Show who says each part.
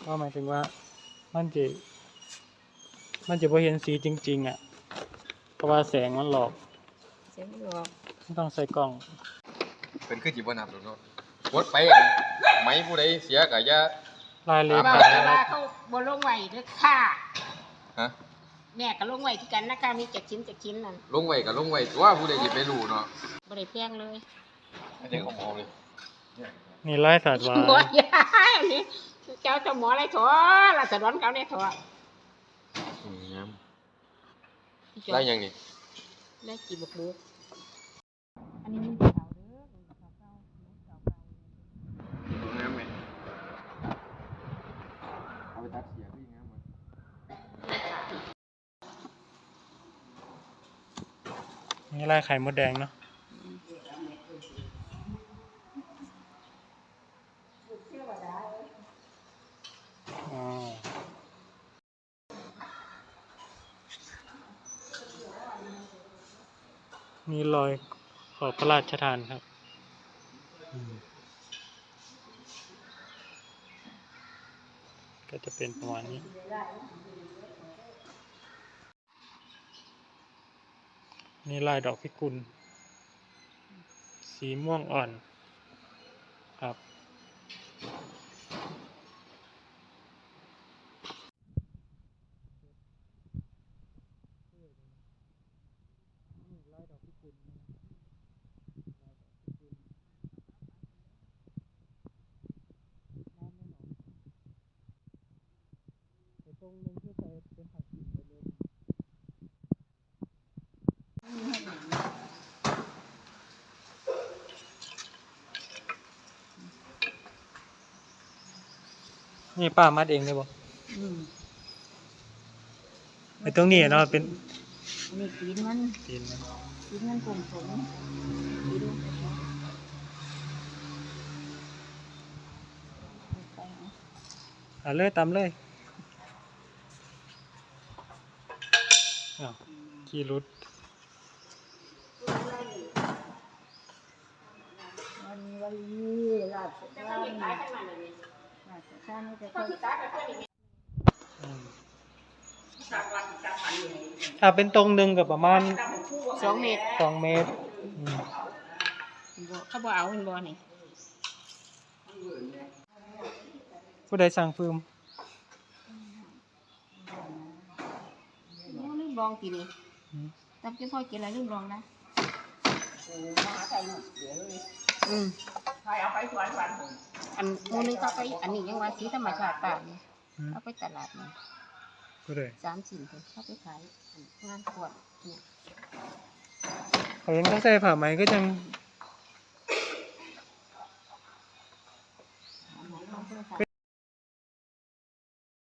Speaker 1: ก็หมายถึงว่ามันจะบ่เห็นสีจริงๆอ่ะเพราะว่าแสงมันหลอก
Speaker 2: เสียงหลอก
Speaker 1: ต้องใส่กล้อง
Speaker 3: เป็นคือจิบ่นับหรอกเนาะกดไปไหมผู้ใดเสียก็อย่าร
Speaker 1: ายเล็ก
Speaker 2: ว่าเขาบ่ลงไหวเด้อค่ะ
Speaker 3: ฮะ
Speaker 2: แม่ก็ลงไหวคือกันนะคะมี7 ชิ้น7 ชิ้นนั่น
Speaker 3: ลงไว้ก็ลงไว้ตัวผู้ใดสิไปรู้เนาะ
Speaker 2: บ่ได้แพงเลย
Speaker 3: อันนี้ของหมอเลย
Speaker 1: นี่ไล่สัตว์วา
Speaker 2: หมอยายอันนี้เจ้าหมออะไรถอล่ะสะดอนเขาเนี่ยถอ
Speaker 3: งามได้ยังนี่
Speaker 2: ได้กี่บุกบุกอันนี้มันเก่าเด้อเก่า
Speaker 3: งามไหมเอาไปตัดเสียพี่งามมั้ย
Speaker 1: นี่ไล่ไข่มดแดงเนาะนี่รอยขอบพระราชทานครับก็จะเป็นประมาณนี้นี่ลายดอกพิกุลสีม่วงอ่อนครับตรงนึงที่ใส่เป็นผักกินไปเลยนี่ป้ามัดเองเลยบ่ไอ้ตรงนี้เนาะเป็น
Speaker 2: นี่ตีนมันกลมๆ
Speaker 1: เลยตามเลยขี่รุด
Speaker 2: วันนี้ลาดข้าวนี่จะค่อย
Speaker 1: ถ้าเป็นตรงหนึ่งกับประมาณ
Speaker 2: 2 เมตรเขาบอกเอาเป็นบอนี่
Speaker 1: ผู้ใดสั่งฟืม
Speaker 2: ลืมลองกินนี่ตั้งใจค่อยกินอะไรลืมลองนะเอาไปสวนอันมูนึงเขาไปอันนี้ยังว่าสีธรรมชาติป่าเนี่ยเอาไปตลาดนี่3 ชิ้นเขาไปขายงานขวดเนี่ย
Speaker 1: เขายังต้องใส่ผ้าไหมก็ยัง